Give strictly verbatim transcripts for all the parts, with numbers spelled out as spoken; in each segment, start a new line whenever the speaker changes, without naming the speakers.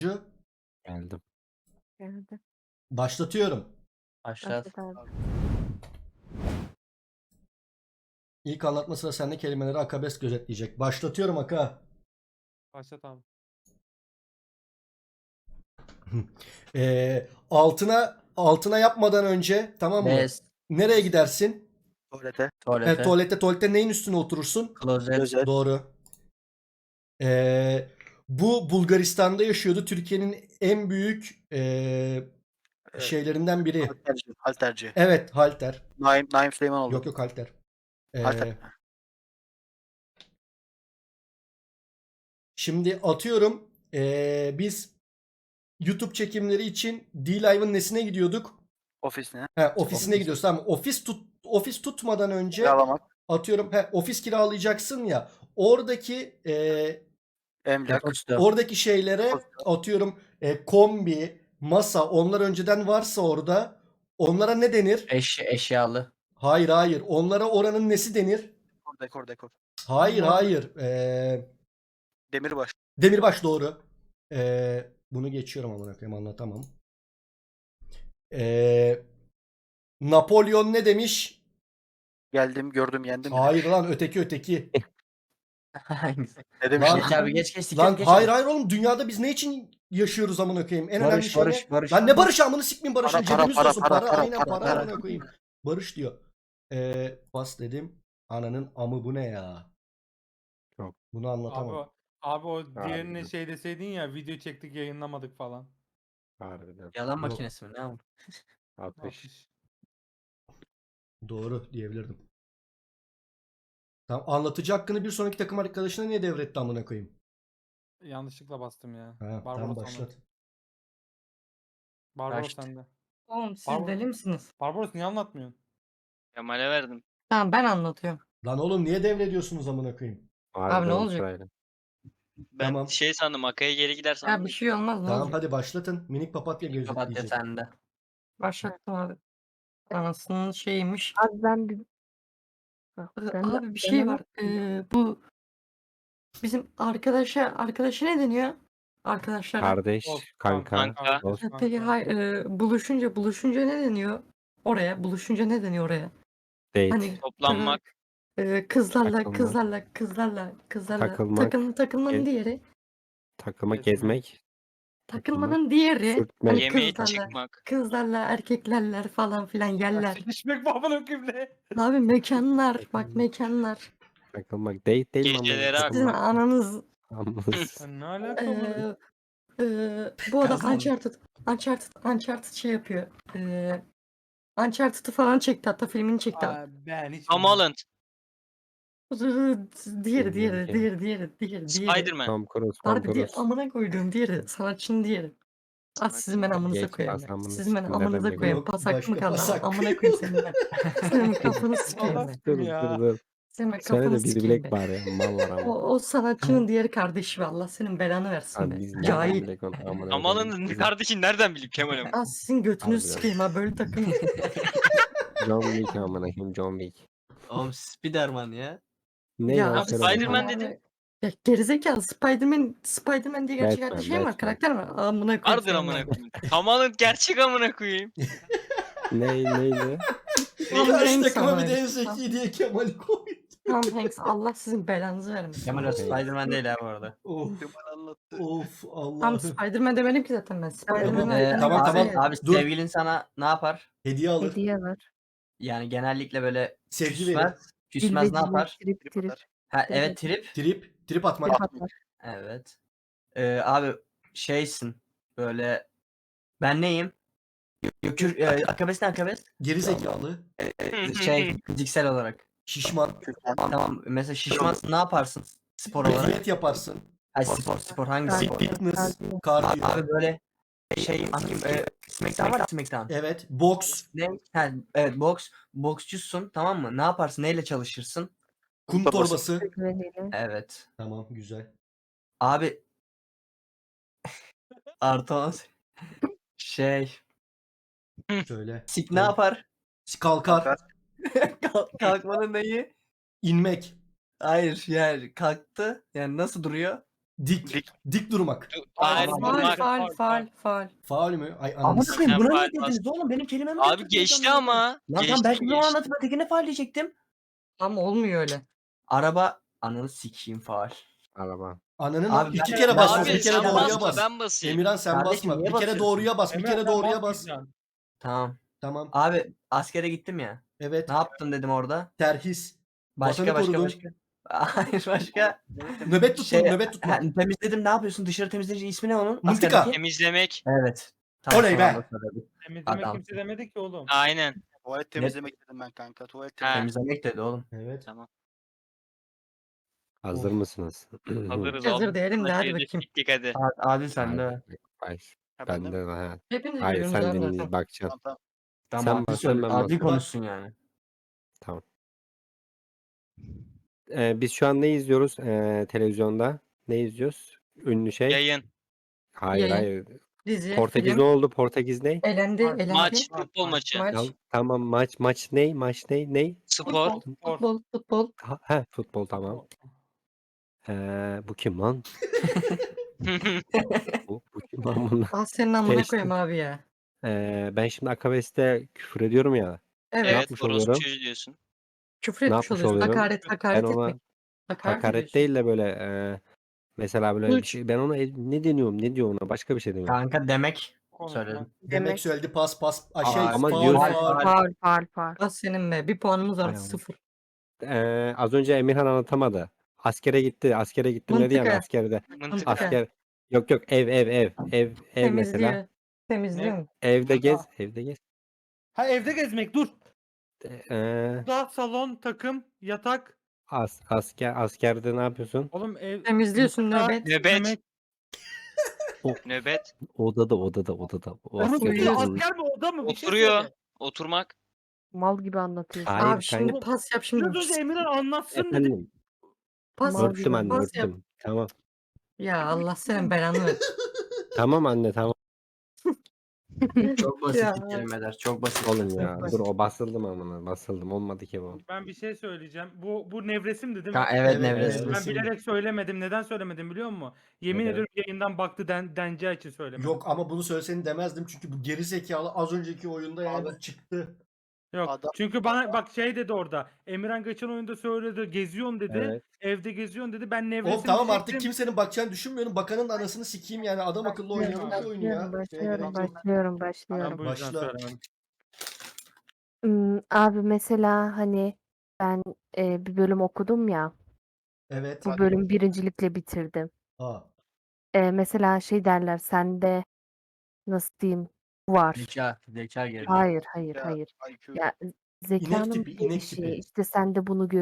Geldim.
Geldi.
Başlatıyorum.
Başlat.
Başladı abi.
İlk anlatma sıra sende, kelimeleri Akabes gözetleyecek. Başlatıyorum Aka.
Başlat abi.
Ee, altına altına yapmadan önce, tamam mı?
Bez.
Nereye gidersin?
Tuvalete.
E,
Tuvalete.
tuvalette tuvalette neyin üstüne oturursun?
Klozet.
Klozet.
Doğru. Ee, bu Bulgaristan'da yaşıyordu. Türkiye'nin en büyük ee,
Evet.
şeylerinden biri.
Halterci. Halterci.
Evet, halter.
Naim, Naim Süleymanoğlu.
Yok yok halter. Ee,
Halter.
Şimdi atıyorum, ee, biz YouTube çekimleri için D-Live'ın nesine gidiyorduk?
Ofisine.
He, ofisine
Ofis.
gidiyoruz. Tamam. Ofis tut ofis tutmadan önce
Kiralamak.
atıyorum, he, ofis kiralayacaksın ya. Oradaki ee,
Emlak.
Posta.
oradaki şeylere atıyorum, ee, kombi, masa, onlar önceden varsa orada onlara ne denir?
Eş, eşyalı.
Hayır hayır. Onlara oranın nesi denir?
Dekor, dekor, dekor.
Hayır
Aman.
hayır. Ee,
Demirbaş.
Demirbaş doğru. Ee, bunu geçiyorum, amına koyayım, anlatamam. Ee, Napolyon ne demiş?
Geldim, gördüm, yendim.
Hayır lan, öteki öteki.
Hangisi?
Ne demiş
Lan-
lan?
Geç abi geç geç.
Lan
geç,
hayır
geç.
hayır oğlum, dünyada biz ne için yaşıyoruz amına koyayım? En önemli
Barış,
şey
barış,
ne?
barış.
Lan ne barış, amını sikmeyin barışın,
Para, para,
cebimiz
para,
olsun.
para,
Para,
para,
aynen
para,
para,
para.
amına koyayım. Barış diyor. Ee, bas dedim. Ananın amı, bu ne ya?
Çok.
Bunu
Abi,
anlatamam.
o- abi o diğerine
Harbiden.
şey deseydin ya, video çektik yayınlamadık falan.
Harbiden.
Yalan
Yok.
makinesi mi? Ne o?
altmış.
altmış.
Doğru diyebilirdim. Tamam, anlatıcı hakkını bir sonraki takım arkadaşına niye devretti amına koyayım?
Yanlışlıkla bastım ya.
Ha, tamam
Barbaros
başlat.
anlat. Barbaros
Başlat.
sende.
Oğlum siz
Pardon.
deli misiniz?
Barbaros niye anlatmıyorsun?
Kemal'e verdim.
Tamam ben anlatıyorum.
Lan oğlum niye devrediyorsunuz amına koyayım?
Harbiden
ne olacak?
sırayla.
Ben
Tamam.
şey sandım, Akaya geri gider
Ya
sandım.
bir şey olmaz ne
Tamam
olacak?
hadi başlatın. Minik papatya
Papatya
gözetleyecek.
sende.
Başlattım abi. Anasının şeyiymiş.
Abi ben bir Bak,
Ee,
ben de-
Abi bir
ben
şey
ama-
var. Ee, bu bizim arkadaşa arkadaşa ne deniyor? Arkadaşlara.
Kardeş,
Dost,
kanka,
kanka.
dost.
Ha, Peki hayır, e, buluşunca buluşunca ne deniyor? Oraya buluşunca ne deniyor oraya?
Date,
Hani
Toplanmak.
e, kızlarla
Takılmak.
kızlarla kızlarla kızlarla
Takılmak.
takıl, takılmanın
Gez-
diğeri.
takılma,
Gezmek.
gezmek.
Takılmanın diğeri.
sürtmek.
Hani
Yemeğe
kızlarla
çıkmak.
kızlarla erkeklerler falan filan yerler.
Sikişmek babana kümle.
Abi mekanlar, bak mekanlar.
Takılmak. Date değil mi? ama?
Geceleri
Sizin
akmak.
ananız.
Anladın.
Sen ne alakalı?
Ee, e, bu adam Uncharted, Uncharted, Uncharted şey yapıyor. Ee, Uncharted'ı falan çekti, hatta filmini çekti.
Aa, ben hiç
Tom
bilmiyorum.
Holland.
Diğeri, diğeri,
Bilmiyorum ki.
diğeri, diğeri, diğeri, diğeri.
Spider-Man.
Tom Cruise, Tom
Harbi diye
Cruise.
amına koyduğum diğeri, sanatçının diğeri. Az sizin ben amınıza
Geç,
koyayım.
pas amını
Sizin ben
sikeyim,
amınıza
nereden
koyayım.
Yok,
Pasak
başka
mı kaldı?
pasak
Amına
yok.
koyayım senin ben. Senin kafanı sikeyim ben.
Dur
Ya.
dur dur.
Senin ben
Söyle
kafanı
de bir
sikeyim
bilek
ben.
var ya. Mal var ama.
O, o sanatçının diğeri kardeşi be, Allah senin belanı versin
Abi
be.
biz nereden
Cahil.
bilek onu? Amına
Tom
koyayım.
Holland'ın
Biz-
kardeşini nereden bileyim Kemal'im?
Az sizin götünüzü
Harbiden.
sikeyim ha, böyle takılın.
John Wick amına koyayım, John Wick.
Oğlum Spiderman ya.
Ne
Ya
ya?
abi
Söyle
Spider-Man
bakayım.
dedin.
Ya gerizekalı, Spider-Man, Spider-Man diye gerçek
Batman,
hayatta şey mi var?
Batman.
Karakter mi? Amına koyayım
Vardır
senin
amına
ben.
koyayım. Tom Holland gerçek amına koyayım.
Ne neydi?
Tom
Kaç
Hanks
takıma bir
ama.
de en zeki diye Kemal'i koy.
Tom Hanks, Allah sizin belanızı vermesin.
Kemal o
Okey.
Spiderman değil ha bu arada.
Of
Kemal anlattı.
of
Tam
Allah'ım.
Spider-Man demedim ki zaten ben. Spider-Man'ı
Ee,
tamam,
abi,
tamam.
Abi
Dur.
sevgilin sana ne yapar?
Hediye alır.
Hediye var.
Yani genellikle böyle
Sevgi verir.
küsmez. Küsmez ne yapar?
Trip
Trip
trip.
atar.
Ha, evet trip.
Trip. Trip atmak.
Trip atar.
Evet. Ee, abi şeysin böyle ben neyim? Gökür, e, akabes ne akabes?
Geri zekalı.
Şey fiziksel olarak.
Şişman.
Kürkan.
Tamam mesela şişmansın ne yaparsın spor olarak?
Diyet yaparsın.
Ha, spor spor hangi spor?
Fitness.
Kardiyo.
Kardiyo.
Abi böyle şey hangi e, Smackdown var ya, Smackdown.
Evet. Boks.
Ne? Ha, evet boks. Boksçusun tamam mı? Ne yaparsın? Neyle çalışırsın?
Kum
Torbası.
torbası.
Güveniyle.
Evet.
Tamam güzel.
Abi artı on şey
Söyle.
sik ne
Evet.
yapar?
Kalkar.
Kalkar.
Kalk- Kalkmanın neyi?
İnmek.
Hayır yani kalktı. Yani nasıl duruyor?
Dik.
Dik.
Dik durmak.
Du- Hayır
Faul,
Faal
durmak.
faal faal faal.
Faul mü? Ay
Amına
ananı s-
koyayım buna
Faal
niye dediniz
bas.
oğlum? Benim kelimemi
Abi
götürdünüz
geçti
amına koyayım.
ama.
Lan tamam
Geçti
belki bunu
geçti.
anlatıp ötekine faal diyecektim.
Ama olmuyor öyle.
Araba ananı sikeyim faal.
Araba.
Ananın
Abi
iki
ben-
kere
ben-
basma,
Abi
bir kere
sen
doğruya
basma
bas.
ben basayım.
Emirhan sen
Kardeşim,
basma.
niye
Bir kere
basıyorsun?
doğruya bas, bir
Emrah,
kere
sen
doğruya bas.
basmayacaksın.
Tamam.
Tamam.
Abi askere gittim ya.
Evet.
Ne yaptın dedim orada.
Terhis.
Başka
Vatanı
başka
korudun.
başka. Hayır başka.
Nöbet tutun,
Şey,
nöbet tutma.
ha, temizledim ne yapıyorsun? Dışarı temizleyici ismi ne onun?
Mıntıka.
Askerdeki?
Temizlemek.
Evet.
Oley be.
sonra söyledim.
Temizlemek
Adam.
kimse demedi ki oğlum.
Aynen.
Tuvalet temizlemek dedim ben kanka. Tuvalet
Ha.
temizlemek.
Temizlemek dedi oğlum.
Evet.
Tamam.
Hazır
Of.
Hazırız
mısınız?
Hazır
oğlum.
değilim de
Sana
hadi
şeyde
bakayım.
siktik hadi.
A- Adil sen de.
Hadi, baş.
Ha, ben de
Bende
mi?
de ha.
Hepiniz
Hayır
biliyorsunuz
sen
abi
dinle
zaten.
bakacaksın.
Tamam tamam.
Tamam
Sen
adil,
bas,
söyle,
sen ben
adil
basayım.
konuşsun yani.
Ee, biz şu an ne izliyoruz ee, televizyonda? Ne izliyoruz? Ünlü şey.
Yayın.
Hayır
Yayın.
hayır.
Dizi,
Portekiz
film.
ne oldu? Portekiz ne?
Elendi,
Maç,
elendi.
Maç.
Maç,
Futbol
maç.
maçı.
Maç.
Tamam, tamam maç maç ne? Maç ne? Ne?
Spor.
Futbol, futbol, futbol.
Ha, he, futbol tamam. Ee, bu kim lan? Bu, bu kim lan bunlar?
Ah senin amına
Geçtim.
koyayım abi ya.
Ee, ben şimdi Akabes'te küfür ediyorum ya.
Evet.
Evet
yapmış
orospu
oluyorum?
çocuğu diyorsun.
Küfür
Ne
etmiş
yapmış
oluyorsun.
oluyorum?
Hakaret, hakaret
Ben ona
etmek. Hakaret,
hakaret
ediyorsun.
değil de böyle e, mesela böyle bir
Suç.
şey ben ona e- ne deniyorum ne diyor ona başka bir şey deniyorum.
Kanka demek
Konuşma.
söyledim.
Demek
Demek.
söyledi pas pas. Ay şey
Ama
faul
diyorsun-
faul.
Faul faul faul.
Ah senin be. Bir puanımız var.
Hay Allah.
Sıfır.
Ee, az önce Emirhan anlatamadı. Askere gitti. Askere gittim dedi ya
Mıntıka.
askerde.
Mıntıka.
Asker yok yok ev ev ev ev ev mesela.
Temizliyor. Temizliyor mu?
Evde gez, evde gez.
Ha evde gezmek dur.
Ee,
Da salon, takım, yatak.
as, asker askerde ne yapıyorsun?
Oğlum ev
Temizliyorsun
mutfağı,
nöbet.
Nöbet.
yemek.
Nöbet.
Odada odada odada. O
Oğlum
askerde
bir
uyuyorsun.
asker mi oda mı? Bir şey
Oturuyor.
söyle.
Oturmak.
Mal gibi anlatıyorsun.
Hayır,
Abi şimdi
kanka.
pas yap şimdi.
Biraz önce Emirhan anlatsın dedi.
Efendim
Pas
Mal
yap.
örttüm
gibi
anne
Pas yap.
örttüm. Tamam.
Ya Allah senin belanı ver.
Tamam anne tamam.
Çok basit
Ya.
bir kelimeler. Çok basit.
Oğlum ya dur o basıldım amına basıldım olmadı ki bu.
Ben bir şey söyleyeceğim. Bu bu nevresimdi değil mi?
Ha, evet
Evet,
Nevres.
evet.
Ben
Nevresim.
bilerek söylemedim. Neden söylemedim biliyor musun? Yemin
Neden?
ediyorum yayından baktı den, deneceği için söylemedim.
Yok ama bunu söyleseni demezdim çünkü bu geri zekalı az önceki oyunda yani
Abi.
bu çıktı.
Yok.
Adam-
Çünkü bana bak şey dedi orada. Emirhan geçen oyunda söyledi. Geziyorsun dedi.
Evet.
Evde geziyorsun dedi. Ben nevresim
Oğlum tamam
diyecektim.
artık kimsenin bakacağını düşünmüyorum. Bakanın da anasını sikeyim yani adam akıllı oynayalım şu oyunu ya.
Başlıyorum,
Şeye gerek
başlıyorum,
yok.
başlıyorum,
Ben
başlıyorum.
bu yüzden
Başla.
söylemedim.
Hmm, abi mesela hani ben e, bir bölüm okudum ya.
Evet.
Bu bölüm birincilikle bitirdim.
Aa.
E, mesela şey derler sende nasıl diyeyim var.
Zeka. Zeka geliyor.
Hayır, hayır,
Ya,
hayır.
I Q.
Ya zekanın
tipi, inek
gelişi
tipi.
işte sen de bunu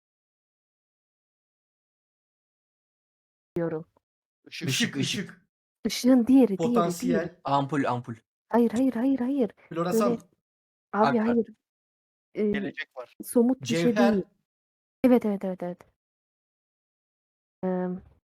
görüyorum.
Işık.
Işık ışık.
Işığın diğeri, diğeri, diğeri.
Potansiyel.
Ampul ampul.
Hayır, hayır, hayır, hayır.
Floresan.
Böyle- Abi
Bak, bak.
hayır. E,
Gelecek var.
somut bir şey
Cevher.
değil. Evet, evet, evet, evet. Eee,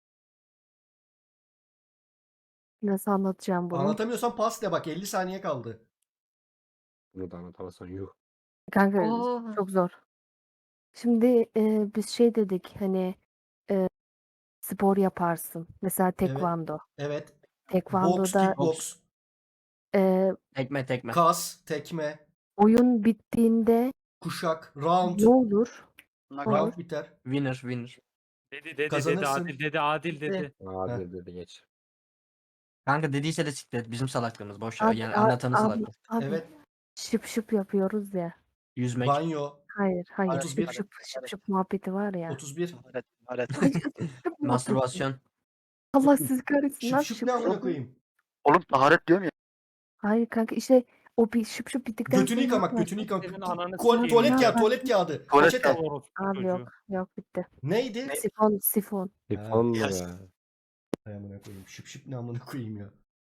nasıl anlatacağım bunu?
Anlatamıyorsan pas de bak elli saniye kaldı.
Bunu da anlatamazsan yuh.
Kanka
Aa.
çok zor. Şimdi eee, biz şey dedik hani eee, spor yaparsın. Mesela tekvando.
Evet. Box,
Tekvandoda
kickbox,
eee,
Tekme tekme.
kas, tekme,
oyun bittiğinde
kuşak, round.
ne olur?
Knockout.
Round biter.
Winner winner.
Dedi dedi dedi
Kazanırsın.
adil dedi adil dedi.
Abi dedi geç.
Kanka dediyse de siktir et. Bizim salaklığımız. Boş ver.
Abi,
Yani
a-
anlatanın
abi,
salaklığı.
abi,
Evet.
şıp şıp yapıyoruz ya.
Yüzmek.
Banyo.
Hayır, hayır.
otuz bir.
Şıp şıp şıp şıp muhabbeti var ya.
otuz bir.
Alet. Alet.
Ay, şıp şıp muhabbeti.
Mastürbasyon.
Allah sizi kahretsin lan
Şıp şıp
şıp
ne amına
şıp.
koyayım?
Oğlum taharet diyorum ya.
Hayır kanka işte o bir şıp şıp bittikten
Götünü
sonra
yıkamak,
ne
götünü yıkamak.
Senin ananı
Kol-
sikeyim.
tuvalet kağıdı,
Ya.
tuvalet kağıdı.
Tuvalet
Peçete.
kağıdı.
Orospu
Abi
çocuğu.
yok yok bitti.
Neydi?
Sifon sifon.
Sifon mu
Yes.
be?
Hay amına koyayım. Şıp şıp ne amına koyayım ya.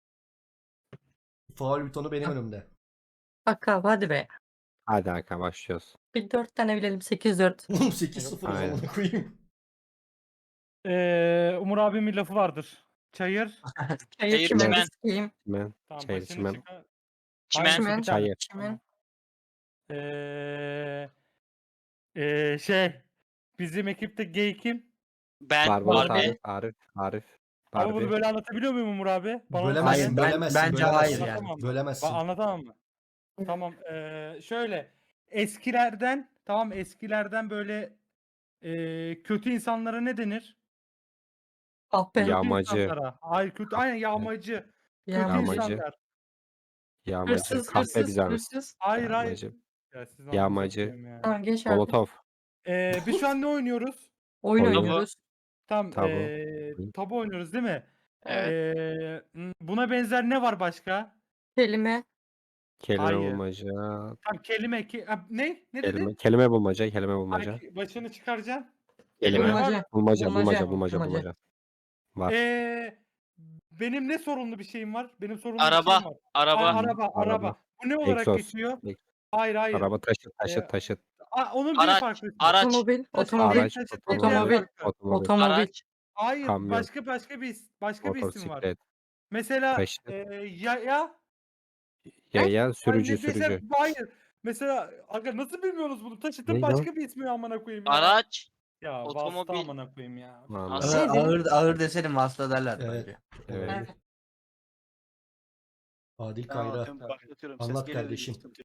Faul butonu benim önümde.
Bak abi hadi be.
Hadi Hakan başlıyoruz.
Bir dört tane bilelim. sekiz dört.
Oğlum sekiz sıfır o
Aynen.
amına koyayım.
Ee, Umur abimin lafı vardır. Çayır.
Çayır
Çayır
çimen
çimen.
sikeyim.
Ben
Tamam,
Çayır
başını
çimen.
çıkar.
Çimen.
Hayır,
Çimen.
bir tane.
Çayır.
Çimen.
Ee, ee, şey bizim ekipte gay kim?
Ben
Barbaros
Barbie.
Arif Arif Arif.
Ama
Harbi.
bunu böyle anlatabiliyor muyum Umur abi? Bana
Bölemezsin,
Hayır, ben-
bölemezsin,
bence
bölemezsin.
hayır yani.
Anlatamam mı?
Bölemezsin.
Ba- anlatamam mı?
Evet.
Tamam. eee, şöyle eskilerden tamam eskilerden böyle eee, kötü insanlara ne denir?
Ah be.
Ya-
Kötü
Yağmacı.
insanlara. Hayır kötü aynen yağmacı. Kötü
Yağmacı.
Yağmacı.
insanlar.
Yağmacı.
Hırsız,
Kahpe
hırsız,
bizans.
hırsız.
Hayır hayır.
Yağmacı.
Ya siz
Yağmacı.
anlatıyorsun ya.
Tamam geç artık.
Molotov.
Eee, biz şu an ne oynuyoruz?
Oyun
Oyun.
oynuyoruz.
Tam
Tabu.
eee
Hı.
tabu oynuyoruz değil mi?
Evet.
Eee, m, buna benzer ne var başka?
Kelime.
Kelime
Hayır.
bulmaca.
Tam kelime ki ha, ne? Ne
Kelime,
dedin?
kelime bulmaca. Kelime
Ay,
bulmaca.
ki- başını çıkaracaksın.
Kelime.
Kelime var.
Bulmaca.
Bulmaca.
Bulmaca,
Bulmaca. Bulmaca.
bulmaca.
Bulmaca. Var.
Eee benim ne sorunlu bir şeyim var? Benim sorunlu bir
Araba.
şeyim var.
Araba.
Aa, araba, araba.
Araba.
Bu ne olarak
Egzoz.
geçiyor?
Ek-
Hayır, hayır.
Araba taşıt.
Ee,
Taşıt. Taşıt.
Aa, onun bir
Araç.
farklı ismi.
Araç.
Otomobil.
Taşıt
Otomobil.
Araç.
taşıt
Otomobil.
diğer
Otomobil.
farklı.
Otomobil.
Otomobil.
Araç.
Hayır,
Kamyon.
başka başka bir is- başka bir isim var.
Motosiklet.
Mesela
Taşıt.
eee ya ya
Yaya.
Hayır,
Sürücü.
ne- mesela,
Sürücü.
hayır. Mesela aga nasıl bilmiyorsunuz bunu? Taşıtın
Ne
başka bir ismi amına koyayım ya.
Araç.
Ya
otomobil.
vasıta amına koyayım ya.
Anladım.
Nasıl?
Ağır,
Neydi?
ağır, ağır deselim vasıta derler
Evet.
bence.
Evet.
Adil
Tamam,
Kayra.
ben başlatıyorum.
Anlat
Ses geliyor,
kardeşim.
sıkıntı yok.